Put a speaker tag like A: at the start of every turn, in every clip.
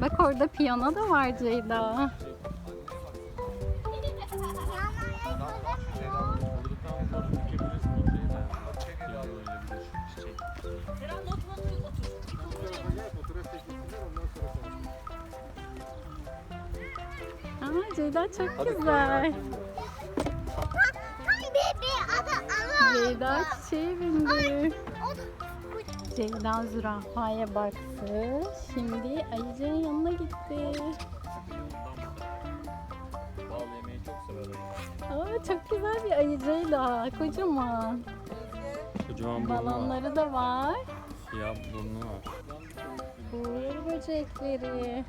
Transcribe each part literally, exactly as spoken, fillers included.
A: Bak orada piyano da var Ceyda. Aa, Ceyda çok güzel. Ceyda çiçeğe bindi. Ceyda zürafaya baktı. Şimdi ayıcığın yanına gitti.
B: Bal yemeyi çok sever.
A: Aa, çok güzel bir ayı Ceyda. Kocaman.
B: Kocaman burnu var.
A: Balonları da var.
B: Siyah burnu var.
A: Uğur böcekleri.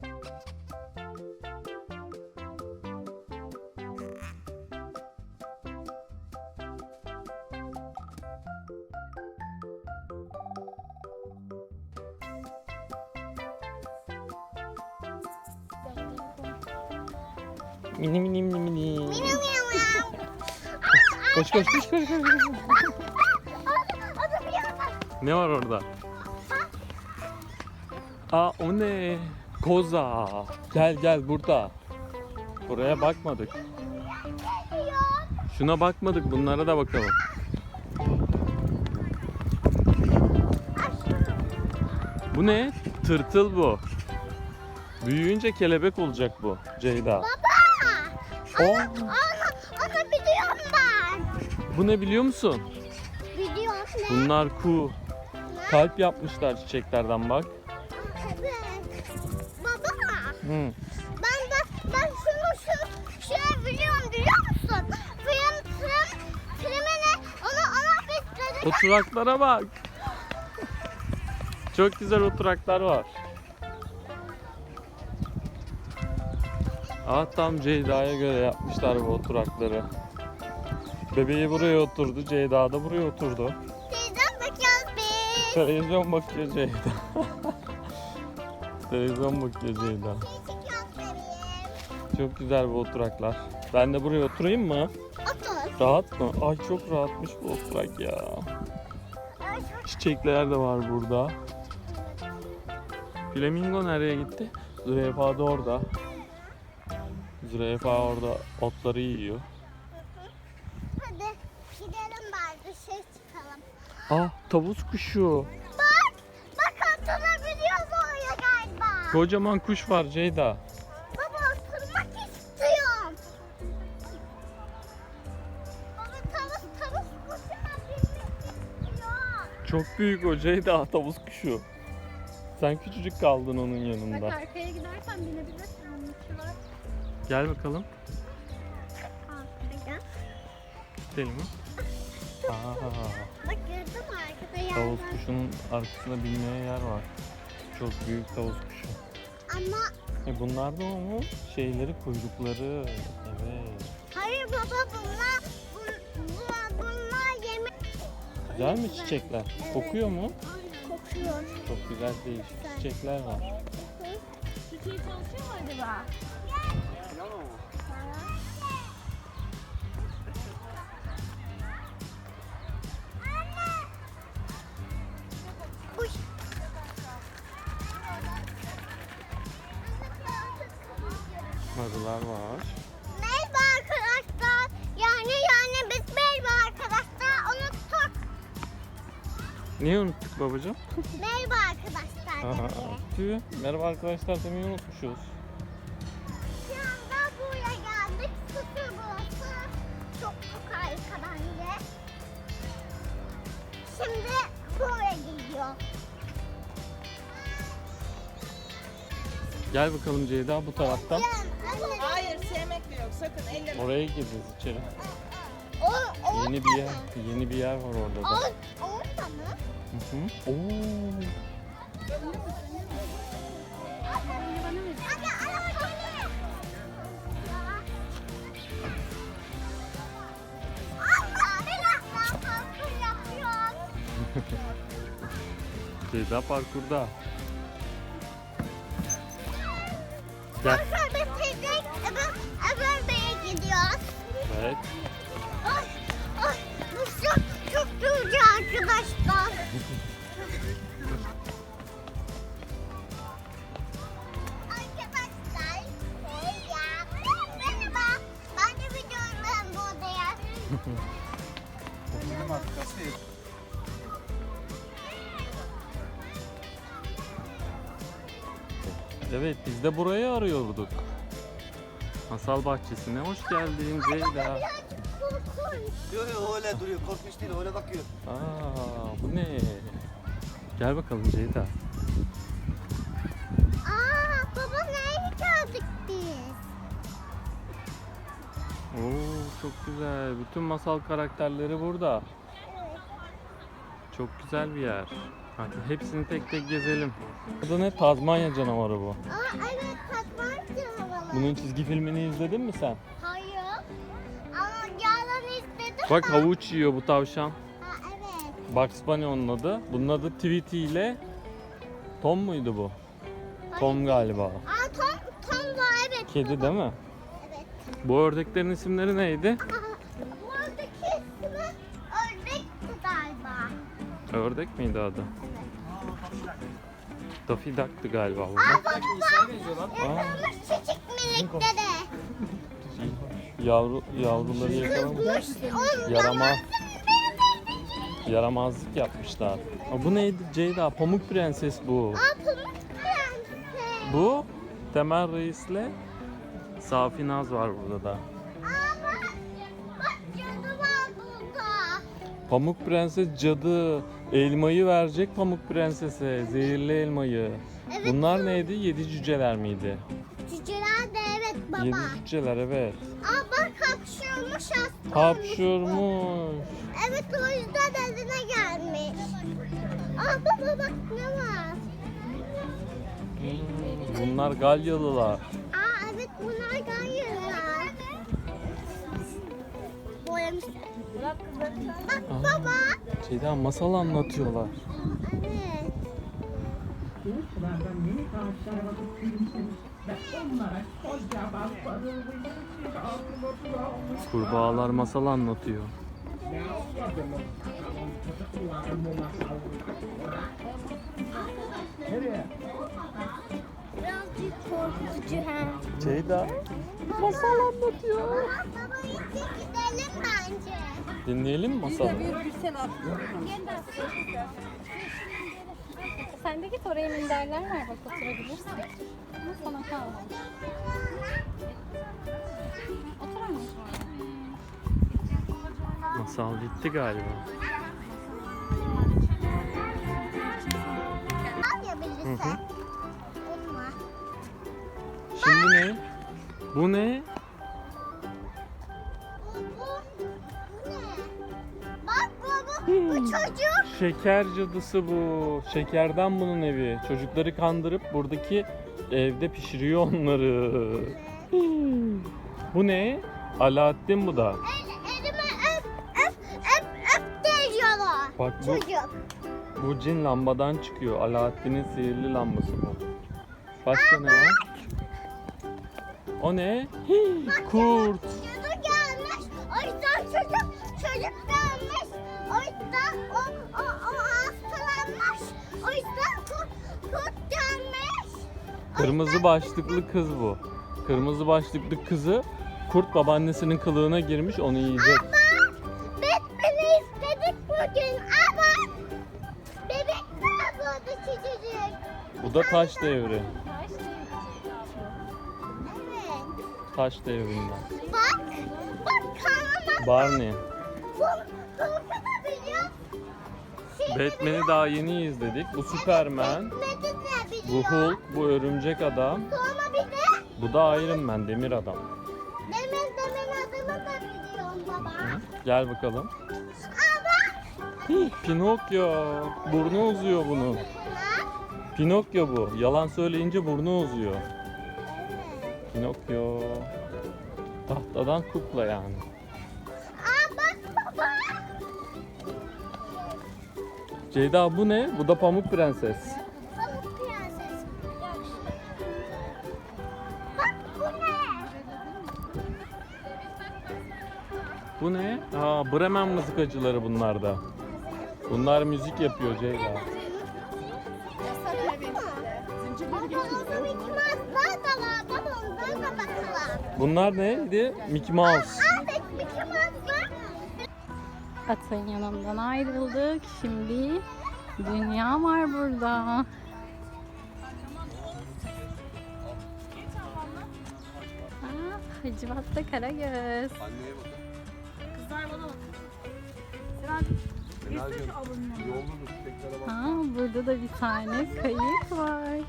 B: Mini mini mini mini. Koş koş koş koş. Ne var orada? Aa, o ne? Koza. Gel gel burada. Buraya bakmadık. Şuna bakmadık. Bunlara da bakalım. Bu ne? Tırtıl bu. Büyüyünce kelebek olacak bu Ceyda.
C: Baba!
B: O,
C: Onu, onu biliyorum ben.
B: bu ne biliyor musun?
C: Biliyorum ne?
B: Bunlar ku. Kalp yapmışlar çiçeklerden bak.
C: Evet. Baba!
B: Hı.
C: Ben de ben şunu şu şey biliyorum biliyor musun? Film film filmine onu ona besledik.
B: Oturaklara bak. Çok güzel oturaklar var. Aa, tam Ceyda'ya göre yapmışlar bu oturakları. Bebeği buraya oturdu, Ceyda da buraya oturdu.
C: Teyzem bakıyoruz biz.
B: Televizyon bakıyor Ceyda. Televizyon bakıyor Ceyda.
C: Çekiyoruz bebeğim.
B: Çok güzel bu oturaklar. Ben de buraya oturayım mı?
C: Otur.
B: Rahat mı? Ay çok rahatmış bu oturak ya.
C: Ay, çok-
B: Çiçekler de var burada. Flamingo nereye gitti? Zürafa da orada. Zürafa orada otları yiyor.
C: Hadi gidelim bari dışarı çıkalım.
B: Ah, tavus kuşu.
C: Bak! Bak oturabiliyoruz oraya galiba.
B: Kocaman kuş var Ceyda.
C: Baba oturmak istiyorum. Baba tavus tavus kuşuna binmek istiyor.
B: Çok büyük o Ceyda, tavus kuşu. Sen küçücük kaldın onun
A: Bak
B: yanında.
A: arkaya gidersen binebilirsin. Onun içi var.
B: Gel bakalım.
C: Arkada.
B: Gidelim mi? Aa,
C: Bak gördün mü arkada
B: tavus
C: yerler.
B: kuşunun arkasında binmeye yer var. Çok büyük tavus kuşu.
C: Ama
B: E bunlar da o mu? Şeyleri, kuyrukları. Evet.
C: hayır baba bunlar bun, bunlar, bunlar yemek.
B: Güzel mi çiçekler? Kokuyor mu?
C: Kokuyor.
B: Çok güzel değişik çiçekler var.
A: Çiçeği çalışıyor mu acaba?
C: Uy.
B: Arılar var.
C: Merhaba arkadaşlar. Yani yani biz merhaba arkadaşlar unuttuk.
B: Niye unuttuk babacığım?
C: Merhaba arkadaşlar
B: Aha,
C: dedi.
B: tüh. Merhaba arkadaşlar demeyi unutmuşuz.
C: Şu anda buraya geldik. Sıfır burası. Çok çok harika bence. Şimdi buraya gidiyor.
B: Gel bakalım Ceyda bu taraftan.
D: Hayır sevmek de yok sakın elleme.
B: Oraya gireceğiz içeri.
C: O, o,
B: Yeni bir yer, yeni bir yer var orada da.
C: o, orada mı?
B: Hı hı. Oo.
C: Hadi araba geliyor. Allah belasını parkur yapıyor.
B: Ceyda parkurda. Gel.
C: Parkur bitirdik. Öbür, öbür beye gidiyoruz.
B: Evet.
C: Ay, ay, bu çok, çok yorucu arkadaşlar.
B: Evet, biz de burayı arıyorduk. Masal bahçesine hoş geldin Ceyda.
C: Korkunç.
E: Yok yok öyle duruyor. Korkunç değil öyle bakıyor.
B: Aa, bu ne? Gel bakalım Ceyda.
C: Aa baba nereye geldik biz?
B: Oo, çok güzel. Bütün masal karakterleri burada. Çok güzel bir yer. Hadi hepsini tek tek gezelim. Bu da ne? Tazmanya canavarı bu.
C: Aa evet Tatmancı havalı.
B: Bunun çizgi filmini izledin mi sen?
C: Hayır. Ama yalan istedim.
B: Bak havuç yiyor bu tavşan.
C: Ha evet.
B: Bugs Bunny onun adı. Bunun adı Tweety ile Tom muydu bu? Tom galiba.
C: Aa Tom, Tom da evet.
B: Kedi değil mi?
C: Evet.
B: Bu ördeklerin isimleri neydi?
C: Aa, buradaki ismi ördekti galiba.
B: Ördek miydi adı? Daffy Duck'tı galiba bu.
C: Aa baba
E: İnsan benziyor lan.
B: Aa,
C: kızmış çocuk minikleri.
B: yavru, yavruları yakalamış.
C: Kızmış.
B: Yaramaz. Yaramazlık yapmışlar. Aa, bu neydi Ceyda? Pamuk Prenses bu.
C: Aa pamuk prenses.
B: Bu Temel Reis'le Safi Naz var burada da.
C: Aa bak. Bak cadı var burada.
B: Pamuk Prenses cadı elmayı verecek Pamuk Prenses'e. Zehirli elmayı.
C: Evet.
B: Bunlar neydi? Yedi cüceler miydi?
C: Cüceler de evet baba.
B: Yedi cüceler evet.
C: Aa bak hapşırmış hasta.
B: Hapşurmuş.
C: Evet o yüzden eline gelmiş. Aa baba bak ne var?
B: Hmm, bunlar Galyalılar.
C: Aa evet bunlar gayırlar. Boyamışlar. Bak
B: Aa.
C: baba.
B: Ceyda masal anlatıyorlar.
C: Evet.
F: Kılıçlardan minik ağaçlar bakıp gülümsemiş ve onlara kocaman sarılmış bir altın otu almış.
B: Kurbağalar masal anlatıyor.
F: Ne anladınız? Bakalım çocuklar bu masalları. Nereye?
C: Birazcık korkutucu hem.
B: Ceyda
A: Masal anlatıyor.
C: Baba işte gidelim bence.
B: dinleyelim mi masalı?
A: Sen de git oraya minderler var bak oturabilirsin. Ama sana kalmamış. Oturamayız oraya.
B: Masal gitti galiba.
C: Al ya
B: Hı
C: bilirse.
B: hı.
C: Olma.
B: Şimdi ne? Bu ne?
C: Bu, bu, bu ne? Bak baba bu çocuk.
B: Şeker cadısı bu. Şekerden bunun evi. Çocukları kandırıp buradaki evde pişiriyor onları. Bu ne? Alaaddin bu da.
C: El, elime öp öp öp öp diyorlar.
B: Bak bu,
C: Çocuk.
B: bu cin lambadan çıkıyor. Alaaddin'in sihirli lambası bu. Başka ne var? O ne? Hii, kurt.
C: Çocuk gelmiş. O yüzden çocuk çocuk gelmiş. O yüzden o o o hastalanmış. O yüzden kurt kurt gelmiş. O
B: Kırmızı
C: yüzden-
B: başlıklı kız bu. Kırmızı başlıklı kızı kurt babaannesinin kılığına girmiş, onu yiyecek.
C: Ama Batman'i istedik bugün ama bebek var burada çocuk.
B: Bu da taş devri.
C: Evet.
B: Taş devrinden.
C: Bak. Bak kanama.
B: Barney.
C: Korkutabiliyor.
B: Batman'i daha yeni izledik. Bu Superman.
C: Batman'i de
B: Bu
C: biliyor.
B: Hulk, bu Örümcek Adam.
C: Sonra bir de
B: Bu da Iron Man, Demir Adam.
C: Demir Demir adını da biliyorum baba.
B: Gel bakalım.
C: Ama
B: Hih, Pinokyo. Burnu uzuyor bunun.
C: ha?
B: Pinokyo bu. Yalan söyleyince burnu uzuyor.
C: Evet.
B: Pinokyo. Tahtadan kukla yani.
C: Aa bak baba.
B: Ceyda bu ne? Bu da Pamuk Prenses.
C: Pamuk prenses. Bak bu ne?
B: Bu ne? Aa, Bremen mızıkacıları bunlar da. Bunlar müzik yapıyor Ceyda.
C: Baba orada Mickey Mouse'lar da var. Baba onlara da bakalım.
B: Bunlar neydi? Mickey Mouse.
C: Evet Mickey Mouse'lar.
A: Atın yanından ayrıldık. Şimdi dünya var burada. Hacivat'ta Karagöz.
E: Anneye bakın.
D: Kızlar bana bak.
E: Senacığım yolda dur. Teklere bak.
A: Ha, burada da bir tane kayık var.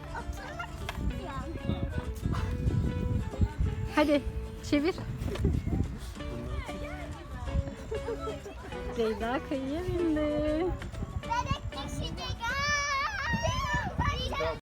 A: Hadi çevir. Leyla kayıya bindi.